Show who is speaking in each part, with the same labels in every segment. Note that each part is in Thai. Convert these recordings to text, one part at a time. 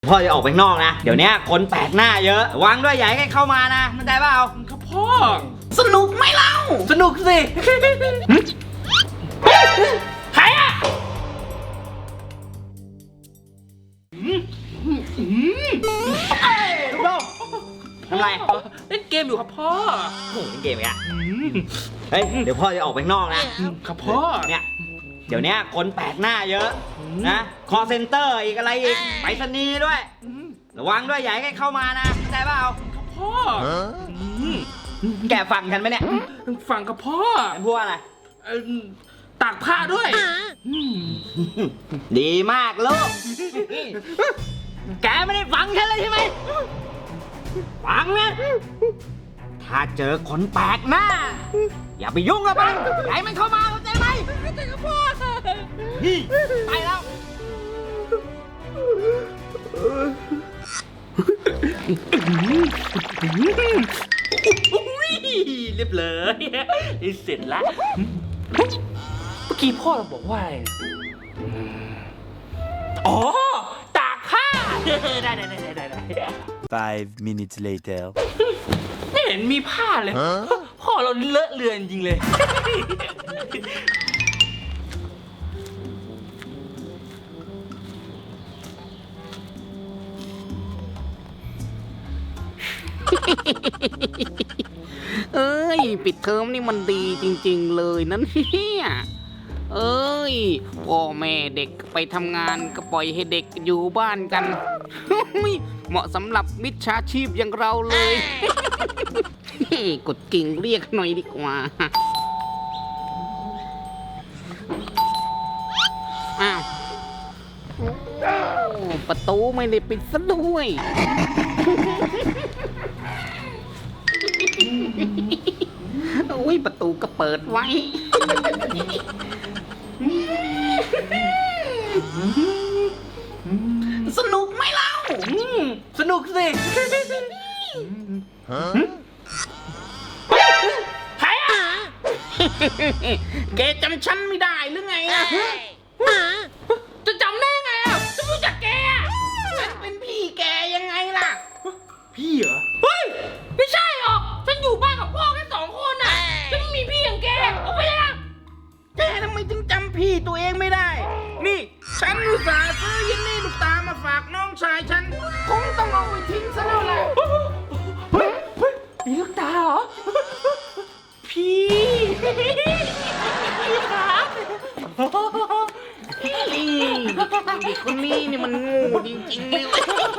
Speaker 1: พ่อจะออกไปนอกนะเดี๋ยวนี้คนแปลกหน้าเยอะวางด้วยอย่าให้เข้ามานะเข้าใจเปล่า
Speaker 2: ครับพ่อ
Speaker 1: สนุกไหมเล่าสนุกสิ
Speaker 2: ใครอะ
Speaker 1: ลูกโลกทำไร
Speaker 2: เล่นเกมอยู่ครับพ่อ
Speaker 1: โอ้โหเล่นเกมอีกอะเฮ้ยเดี๋ยวพ่อจะออกไปนอกนะครับ
Speaker 2: พ่อ
Speaker 1: เนี่ยเดี๋ยวนี้คนแปลกหน้าเยอะนะคอเซ็นเตอร์อีกอะไรอีกไปรษณีย์ด้วยระวังด้วยอย่าให้เข้ามานะเข้าใจเปล่า
Speaker 2: ครับพ่อ
Speaker 1: แกฟังกันไหมเนี่ย
Speaker 2: ฟังกับพ่อ
Speaker 1: พูดอะไร
Speaker 2: ตากผ้าด้วย
Speaker 1: ดีมากลูกแกไม่ได้ฟังฉันเลยใช่ไหมฟังนะถ้าเจอคนแปลกหน้าอย่าไปยุ่งกับมันอย่าให้มันเข้ามาเข้าใจไหมเข้าใจกับพ่อนี่ไปแล้ว
Speaker 2: เรียบเลยเสร็จแล้วเมื่อกี้พ่อเราบอกว่าอะไรอ๋อตากผ้าได้
Speaker 3: 5 minutes later
Speaker 2: ไม่เห็นมีผ้าเลยพ่อเราเลอะเลือนจริงเลย
Speaker 4: เอ้ยปิดเทอมนี่มันดีจริงๆเลยนั่นเนี่ยเอ้ยพ่อแม่เด็กไปทำงานก็ปล่อยให้เด็กอยู่บ้านกันเหมาะสำหรับมิจฉาชีพอย่างเราเลยกดกิ่งเรียกหน่อยดีกว่าอ้าวประตูไม่ได้ปิดซะด้วยโอ้ยประตูก็เปิดไว้สนุกไหมเล่า
Speaker 1: สนุกสิ
Speaker 4: ใครอ่ะแกจำฉันไม่ได้หรือไงอ่ะ
Speaker 2: จะจำได้ไงอ่ะจะรู้จักแกอ่ะ
Speaker 4: ฉันเป็นพี่แกยังไงล่ะ
Speaker 2: พี่เหรอเฮ้ยไม่ใช่หรอกฉันอยู่บ้านกับพ่อแค่2 คนน่ะฉันไม่มีพี่อย่างแกออกไปเลยนะ
Speaker 4: แกทำไมถึงจำพี่ตัวเองไม่ได้นี่ฉันอุตส่าห์ซื้อยินนี่ลูกตามาฝากน้องชายฉันคงต้องเอาไปทิ้งซะแล้วแหละ
Speaker 2: เฮ้ยมีลูกตาเหรอพี่ครับ
Speaker 4: เด็กคนนี้นี่มันโง่จริงๆเลย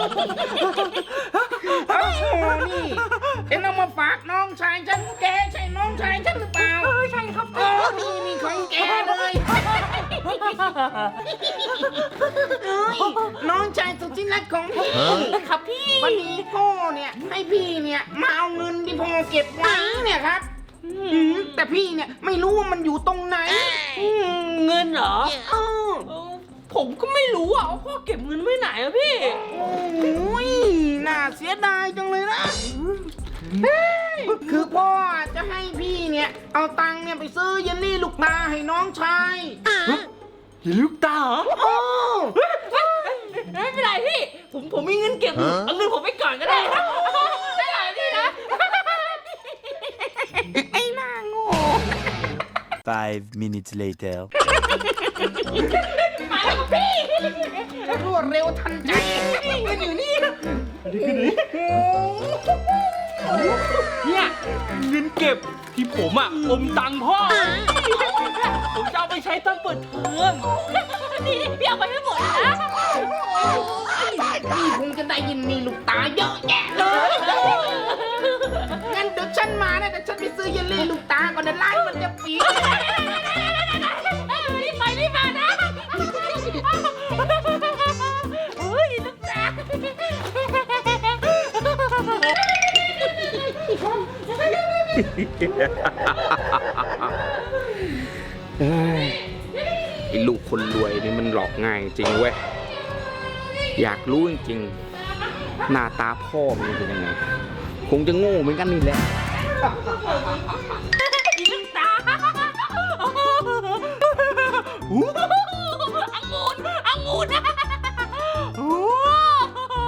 Speaker 4: นี่ฉันเอามาฝากน้องชายฉันแกใช่น้องชายฉันหรือเปล่า
Speaker 2: ใช่ครับ
Speaker 4: นี่ของแกเลยน้องชายสุดที่รักของพี่
Speaker 2: ครับพี่
Speaker 4: วันนี้พ่อเนี่ยให้พี่เนี่ยมาเอาเงินที่พ่อเก็บไว้เนี่ยครับแต่พี่เนี่ยไม่รู้ว่ามันอยู่ตรงไหน
Speaker 2: เงินเหรอผมก็ไม่รู้อ่ะว่าพ่อเก็บเงินไว้ไหนอะพี่
Speaker 4: โอ้ยน่าเสียดายจังเลยนะคือพ่อจะให้พี่เนี่ยเอาตังค์เนี่ยไปซื้อเยลลี่ลูกตาให้น้องชาย
Speaker 2: เยลลี่ลูกตาเหรอไม่เป็นไรพี่ผมมีเงินเก็บเอาเงินผมไปก่อนก็ได้นะได้ไหมพี่นะ
Speaker 4: ไอ้หน้าโง่
Speaker 3: 5 minutes later
Speaker 4: มาแล้วพี่รวดเร็วทันใจเงินอยู่นี่
Speaker 2: เนี่ยเงินเก็บที่ผมอ่ะอมตังค์พ่อผมจะเอาไปใช้ตอนเปิดเทอมนี่พี่เอาไปให้หมดนะ
Speaker 4: พี่คงจะได้ยินมีลูกตาเยอะแยะเลยงั้นเดี๋ยวฉันมานะแต่ฉันไปซื้อเยลลี่ลูกตาก่อนนะร้านมันจะปิด
Speaker 2: รีบมานะเฮ้ยลูกตา
Speaker 4: ไอ้ลูกคนรวยนี่มันหลอกง่ายจริงเว้ยอยากรู้จริงๆหน้าตาพ่อมันเป็นยังไงคงจะโง่เหมือนกันนี่แหละ
Speaker 2: ลูกตาองุ่น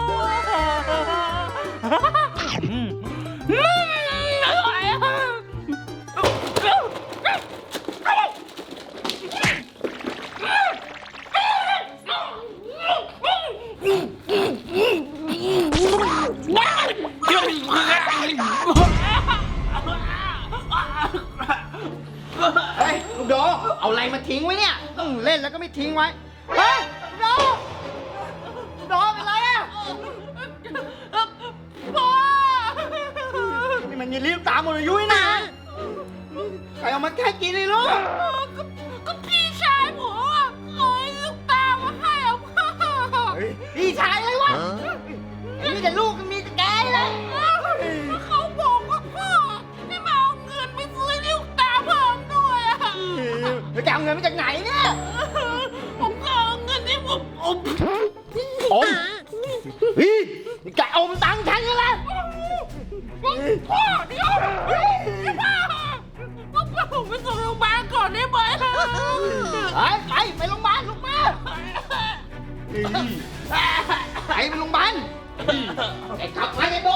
Speaker 1: ทิ้งไว้เฮ้ยโดโดเป็นไรอ่ะ
Speaker 2: พ่อ
Speaker 1: นี่มันยินรีบตามหมดอายุนี่นะใครเอามาแค่กินเลยลูก
Speaker 2: ก็พี่ชายผมอ่ะเอาไอ้ลูกตามาให้อ่ะพ่อ
Speaker 1: พี่ชายเลยวะมีแต่ลูกมีแต่แกเลย
Speaker 2: เขาบอกว่าพ่อให้มาเอาเงินไปซื้อลูกตาเพิ่มด้วยอ่ะ
Speaker 1: แล้วแกเอาเงินมาจากไหนเนี่ย
Speaker 2: ผมก็เอาเงินที่ผมอม
Speaker 1: อมเฮ้ยนี่แกอมตังค์ฉันกันละ
Speaker 2: พ่อเดี๋ยวพ่อผมไปส่งโรงพยาบาลก่อนได้ไหม
Speaker 1: ไปโรงพยาบาลลูกมาไปโรงพยาบาลไอ้ขับไปไอ้โด